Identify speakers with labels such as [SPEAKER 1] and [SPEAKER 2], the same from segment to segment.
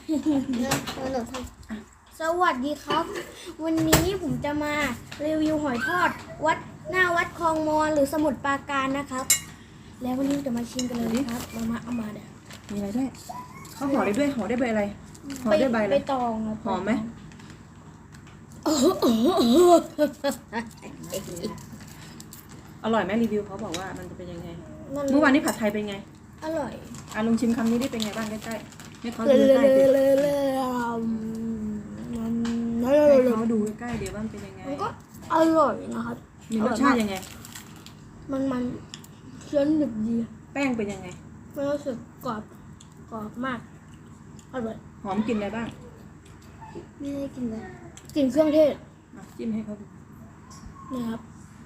[SPEAKER 1] สวัสดีครับวันนี้ผมจะมารีวิวหอยทอดหน้าวัดคลองมอนหรือสมุทรปราการนะครับแล้ววันนี้จะมาชิมกันเลยครับมาเอามาเดี๋ยว
[SPEAKER 2] มีอะไรด้วยเขาห่อได้ด้วยห่อได้ใบอะไรห่อได้ใบอะไร
[SPEAKER 1] ใบตองครับ
[SPEAKER 2] หอมไหมอร่อยไหมรีวิวเขาบอกว่ามันจะเป็นยังไงเมื่อวานนี้ผัดไทยเป็นไง
[SPEAKER 1] อร่อย
[SPEAKER 2] ลองชิมคำนี้ได้เป็นไงบ้างใกล้ๆให้เขาดูใกล้ๆดิให้เขาดูใกล้ๆเดี๋ยวว่ามันเป็นยังไง
[SPEAKER 1] มันก็อร่อยนะครับ
[SPEAKER 2] มีรสชาติยังไง
[SPEAKER 1] มันเคี้ยวหนึบดี
[SPEAKER 2] แป้งเป็นยังไง
[SPEAKER 1] มันรู้สึกกรอบมากอร่อย
[SPEAKER 2] หอมกลิ่นอะไรบ้าง
[SPEAKER 1] ไม่ได้กินเลยกลิ่นเครื่องเทศ
[SPEAKER 2] จิ้มให้เขาดู
[SPEAKER 1] นะครับ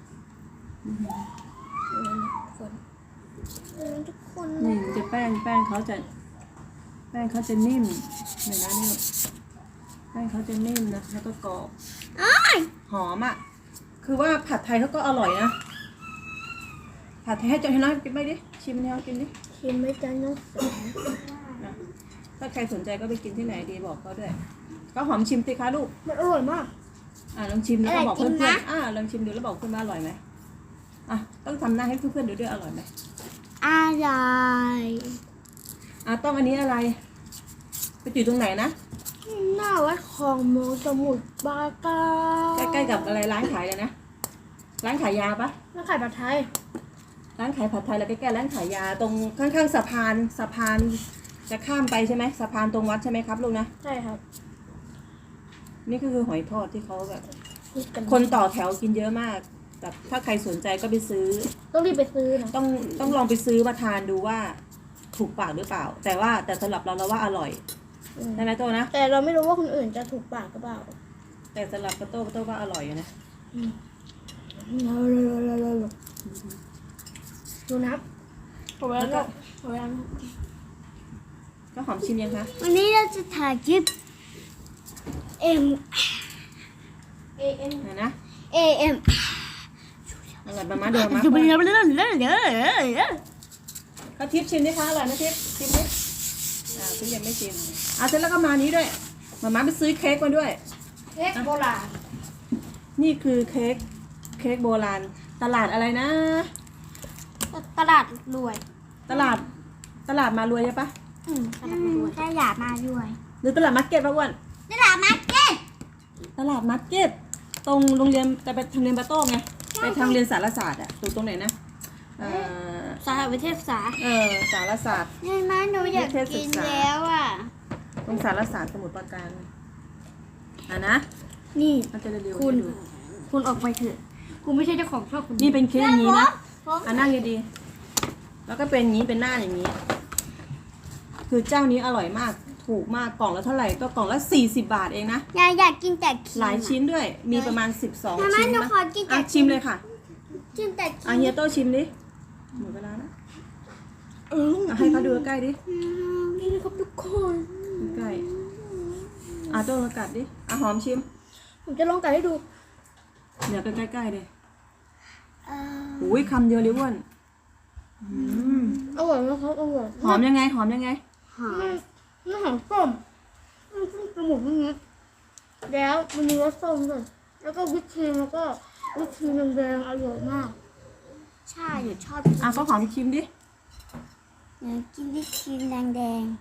[SPEAKER 1] ทุกคน
[SPEAKER 2] นี่จะแป้งเขาจะนิ่มเดี๋ยวนะนี่แป้งเขาจะนิ่มนะแล้วก็กรอบหอมอ่ะคือว่าผัดไทยเขาก็อร่อยนะผัดไทยให้น้องกินไปดิชิมให้เขากินดิ
[SPEAKER 1] ชิมไม่จ้าน้อง
[SPEAKER 2] นะถ้าใครสนใจก็ไปกินที่ไหนดีบอกเขาด้วยก็หอมชิมสิคะลูก
[SPEAKER 1] มันอร่อยมาก
[SPEAKER 2] ลองชิมแล้วก็บอกเพื่อนๆลองชิมดูแล้วบอกเพื่อนว่าอร่อยไหมต้องทำหน้าให้เพื่อนๆดูด้วยอร่อยไหม
[SPEAKER 1] อร่อย
[SPEAKER 2] ต้องอันนี้อะไรไปอยู่ตรงไหนนะ
[SPEAKER 1] หน้าวัดคลองมอนสมุทรปราการ
[SPEAKER 2] ใกล้ๆกับอะไรร้านขายเลยนะร้านขายยาปะ
[SPEAKER 1] ร้านขายผัดไทย
[SPEAKER 2] ร้านขายผัดไทยแล้วใกล้ๆร้านขายยาตรงข้างๆสะพานจะข้ามไปใช่ไหมสะพานตรงวัดใช่ไหมครับลูกนะ
[SPEAKER 1] ใช่ครับ
[SPEAKER 2] นี่คือหอยทอดที่เขาแบบคนต่อแถวกินเยอะมากแบบถ้าใครสนใจก็ไปซื้อ
[SPEAKER 1] ต้องรีบไปซื้อนะ
[SPEAKER 2] ต้องลองไปซื้อมาทานดูว่าถูกปากหรือเปล่าแต่สำหรับเราว่าอร่อยใช่ไหมโตนะ
[SPEAKER 1] แต่เราไม่รู้ว่าคนอื่นจะถูกปากหรือเปล่า
[SPEAKER 2] แต่สำหรับโตว่าอร่อยอยู่นะ
[SPEAKER 1] ดูนับ
[SPEAKER 2] แล้วก็หอมชิมยังคะ
[SPEAKER 1] วันนี้เราจะถ่ายคลิปAM
[SPEAKER 2] นะ
[SPEAKER 1] AM
[SPEAKER 2] อร่อยมาเดิมมาเขาทิปชิมดิคะอร่อยนะทิปชิมดิทิปยังไม่ชิมเสร็จแล้วก็มานี้ด้วยมาไปซื้อเค้กมาด้วย
[SPEAKER 1] เค้กโบราณ
[SPEAKER 2] นี่คือเค้กโบราณตลาดอะไรนะ
[SPEAKER 1] ตลาดรวย
[SPEAKER 2] ตลาดมารวยใช่ปะ
[SPEAKER 1] ตลาดมารวย
[SPEAKER 2] หรือตลาดมาร์เก็ตปะอ้วน
[SPEAKER 1] ตลาดมาร์เก็ต
[SPEAKER 2] ตรงโรงเรียนแต่ไปทางเรียนปะโต้งไงไปทางเรียนสารศาสตร์ตรงไหนนะ
[SPEAKER 1] สารวิเทศศาสตร์
[SPEAKER 2] สารศาสตร์
[SPEAKER 1] นี่มาหนูอยากกินแล้ว
[SPEAKER 2] ตรงสารศาสตร์สมุทรปราการนะ
[SPEAKER 1] นี่
[SPEAKER 2] คุณ
[SPEAKER 1] ออกไปเถอะคุณไม่ใช่เจ้าของชอบคุณ
[SPEAKER 2] นี่เป็นเค้กอย่างนี้นะนั่งดีๆแล้วก็เป็นอย่างนี้เป็นหน้าอย่างนี้คือเจ้านี้อร่อยมากถูกมากกล่องละเท่าไหร่ก็กล่องละ40 บาทเองนะ
[SPEAKER 1] อยากกินแต่
[SPEAKER 2] หลายชิ้นด้วยมีประมาณ12 ชิ้นนะชิมเลยค่ะเฮียโต้ชิมดิหมดเวลานะให้เขาดูใกล้ดิ
[SPEAKER 1] นี่นะครับทุกคน
[SPEAKER 2] ใกล้โต้มากัดดิหอมชิม
[SPEAKER 1] ผมจะลองกัดให้ดู
[SPEAKER 2] เดี๋ยวใกล้ๆเลยอุ้ยคำเดียวเลยอ้วน
[SPEAKER 1] อร่อยนะครับอร่อย
[SPEAKER 2] หอมยังไง
[SPEAKER 1] หอมหอมส้มจมูกนิดแล้วมันมีรสส้มด้วยแล้วก็วิปครีมแล้วก็วิปครีมแดงอร่อยมากใช่หนูชอบ
[SPEAKER 2] ก็หอมชิมดิ
[SPEAKER 1] กินวิปครีมแดงไหน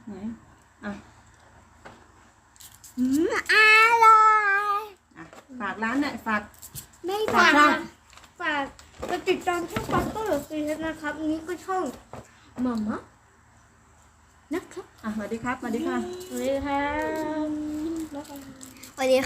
[SPEAKER 1] อร่อย
[SPEAKER 2] ฝากร้านเนี่ยฝาก
[SPEAKER 1] ไม่ฝากจะติดตามช่องปัตเตอร์ซีนะครับนี้ก็ช่องมัมมะนะครับ
[SPEAKER 2] สวัสดีครับสวัสดีค่ะ
[SPEAKER 1] สวัสดีครับสวัสดี